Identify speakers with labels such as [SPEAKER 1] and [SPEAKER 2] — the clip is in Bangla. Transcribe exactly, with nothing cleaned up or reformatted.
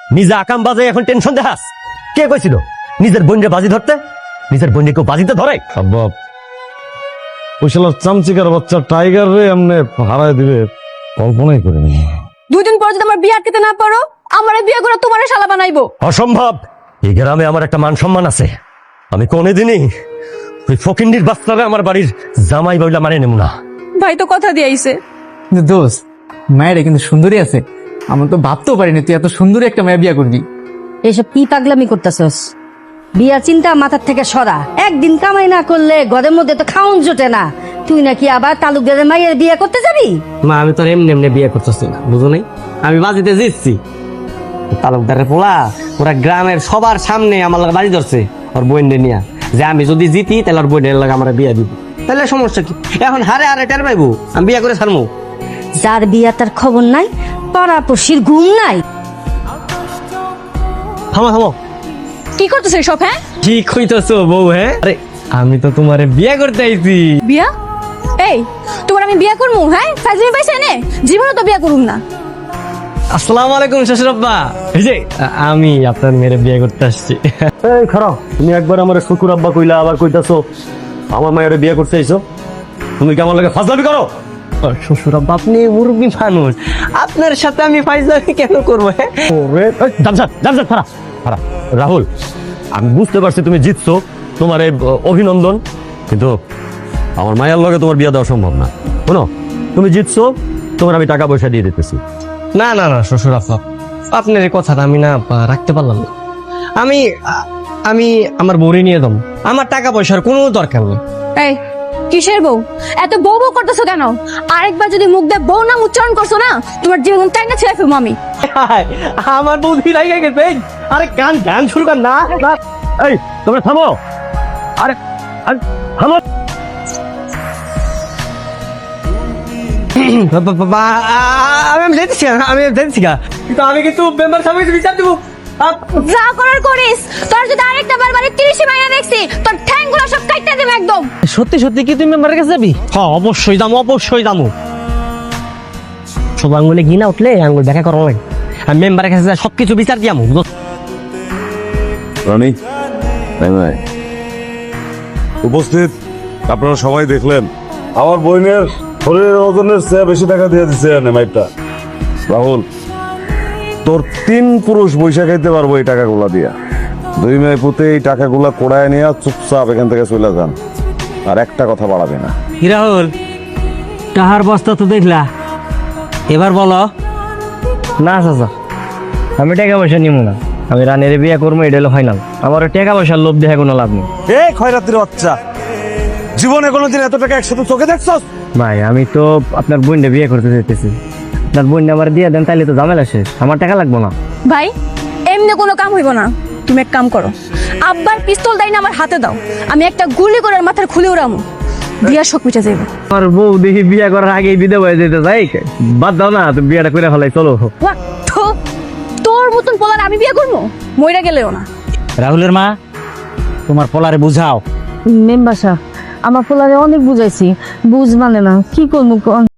[SPEAKER 1] নিজে আকাম বাজে এখন টেনশন দেখাস? কে কইছিল নিজের বোনরে বাজি ধরতে? নিজের বোনরে কেউ বাজিতে ধরে?
[SPEAKER 2] সম্ভব ওই শালা চামচিকার বাচ্চা টাইগার রে এমনি হারায় দিবে কল্পনাই করে নি।
[SPEAKER 3] দুই দিন পর যদি আমার বিয়ে আটকাতে না পারো, আমারে বিয়ে করে তোমারে শালা বানাইবো।
[SPEAKER 1] অসম্ভব। এই গ্রামে আমার একটা মান সম্মান আছে। আমি কোনোদিনই ওই ফকিন্ডির বাচ্চারা আমার বাড়ির জামাই বইলা মানে নেব না।
[SPEAKER 3] ভাই তো কথা দিয়ে আইছে।
[SPEAKER 4] কিন্তু দোস্ত, মায়েরা কিন্তু সুন্দরী আছে। আমরা তো ভাবতেও পারিনি তুই এত সুন্দরী একটা মেয়ে বিয়ে করবি।
[SPEAKER 5] এসব কি পাগলামি করতেছস? বিয়ার চিন্তা মাথার থেকে সরা। একদিন কামাই না করলে ঘরের মধ্যে তো খাউন জোটে না। তুই নাকি আবার তালুকদারের মায়ের বিয়ে করতে যাবি?
[SPEAKER 6] মা আমি তোর এমনি এমনি বিয়ে করতেছি না, বুঝো নাই? আমি বাজিতে জিতছি। তালুকদারের পোলা ওরা গ্রামের সবার সামনে আমার লাগে বাজি ধরছে ওর বইনে নিয়া, যে আমি যদি জিতি তাহলে ওর বইনের লাগে আমার বিয়ে দিব। তাহলে সমস্যা কি? এখন হারে হারে টের পাইবো আমি বিয়ে করে ছাড়মু।
[SPEAKER 5] যার বিয়া তার খবর নাই, পাড়াপড়শির ঘুম নাই।
[SPEAKER 6] থামো থামো,
[SPEAKER 3] কি করতেছে সব? হ্যাঁ,
[SPEAKER 6] কি কইতেছো বউ? হ্যাঁ, আরে আমি তো তোমারে বিয়ে করতে আইছি।
[SPEAKER 3] বিয়া? এই তোমার আমি বিয়ে করবো? হ্যাঁ, ফাজলিমি পাইছে নে, জীবনে তো বিয়ে করুম না।
[SPEAKER 6] আসসালামু আলাইকুম শ্বশুর আব্বা। এই যে আ- আমি আপনার মেয়ের বিয়ে করতে আসছি।
[SPEAKER 1] এই খারাপ, তুমি একবার আমার শুকুর আব্বা কইলা, আবার কইতাছো আমার মায়ের বিয়ে করতে আইছো। তুমি কি আমার লাগে ফাজলামি করো?
[SPEAKER 6] শ্বশুর আব্বা আপনি মুরব্বী মানুষ, আপনার সাথে আমি ফাইজলামি কেন করবো? হ্যাঁ,
[SPEAKER 1] ওরে এই, জামশাদ, জামশাদ, খারা, খারা। রাহুল, আমি বুঝতে পারছি তুমি জিতছো, তোমার এই অভিনন্দন, কিন্তু আমার মায়ের লগে তোমার বিয়ে দেওয়া সম্ভব না। শোনো, তুমি জিতছো, তোমার আমি টাকা পয়সা দিয়ে দিতেছি।
[SPEAKER 6] না না না শ্বশুর আব্বা, আপনার এই কথাটা আমি না আ, রাখতে পারলাম না। আমি আ- আমি আমার বউরে নিয়ে দম, আমার টাকা পয়সার কোনো দরকার নেই।
[SPEAKER 3] এই কিসের বউ? এত বউ বউ করতেছো কেন? আরেকবার যদি মুখ দিয়ে বউ নাম উচ্চারণ করছো না, তোমার জীবন তাই না ছেড়ে ফেলবো আমি।
[SPEAKER 6] আমার বউ ধীরে গেছে। আরে গান গান শুরু কর না না।
[SPEAKER 1] এই তোমরা থামো। আরে আরে, থামো।
[SPEAKER 6] বা- বা- বা- আ- আমি আমি যেতেছি না, আমি যেতেছি না, কিন্তু আমি কিন্তু মেম্বার সাহেবের বিচার দেবো। আ-
[SPEAKER 3] যা করার করিস। তোর যদি আরেকটা বার বারে তিরিশে মাইনা দেখছি, তোর ঠ্যাংগুলো সব কাটতে দেব একদম।
[SPEAKER 6] সত্যি সত্যি কি তুমি মেম্বারের কাছে যাবি? হ্যাঁ অবশ্যই যাবো, অবশ্যই যাবো। সব আঙ্গুলে ঘি না উঠলে আঙ্গুল দেখা করা লাগে। আমি মেম্বারের কাছে যাই, সবকিছু বিচার দিয়ামু।
[SPEAKER 2] রানী নাই নাই উপস্থিত আপনারা সবাই দেখলেন আমার বোনের শরীরের ওজনের চেয়ে বেশি টাকা দিয়ে দিচ্ছে মাইপটা। রাহুল, তোর তিন পুরুষ বৈশা খাইতে পারবো এই টাকাগুলা দিয়া। দুই মেয়ে পুঁতে এই টাকাগুলা কোড়ায় নিয়ে চুপচাপ এখান থেকে চলে যান, আর একটা কথা বাড়াবে না।
[SPEAKER 6] কি রাহুল, টাহার বস্তা তো দেখলা, এবার বলো।
[SPEAKER 4] না চাচা, আমি টাকা পয়সা নিব না। আমি রানের বিয়ে করবো, এটা হলো ফাইনাল। আমার টাকা পয়সার লোভ দেখে কোনো লাভ নেই।
[SPEAKER 2] এ খয়রাতির বাচ্চা, জীবনে কোনোদিন এত টাকা একসাথে চোখে দেখছস?
[SPEAKER 4] ভাই আমি তো আপনার বোনটা বিয়ে করতে চাইতেছি। আপনার বোনটা আমার দিয়ে দেন, তাইলে তো ঝামেলা শেষ। আমার টাকা লাগবো না।
[SPEAKER 3] ভাই এমনি কোনো কাম হইব না। তুমি এক কাম করো, আব্বার পিস্তল দাই না আমার হাতে দাও, আমি একটা গুলি করে ওর মাথার খুলে উড়ামু, বিয়ার শোক মিটে যাইব।
[SPEAKER 4] আমার বউ দেখি বিয়ে করার আগেই বিধবা হয়ে যেতে যাই। বাদ দাও না, তুমি বিয়েটা করে ফেলাই, চলো।
[SPEAKER 3] ওয়া, থু, তোর মতন পোলার আমি বিয়ে করবো? মইরা গেলেও না।
[SPEAKER 6] রাহুলের মা, তোমার পোলারে বুঝাও।
[SPEAKER 5] মেম্বার সাহেব, আমার পোলারে অনেক বুঝাইছি, বুঝ মানে না, কি করবো?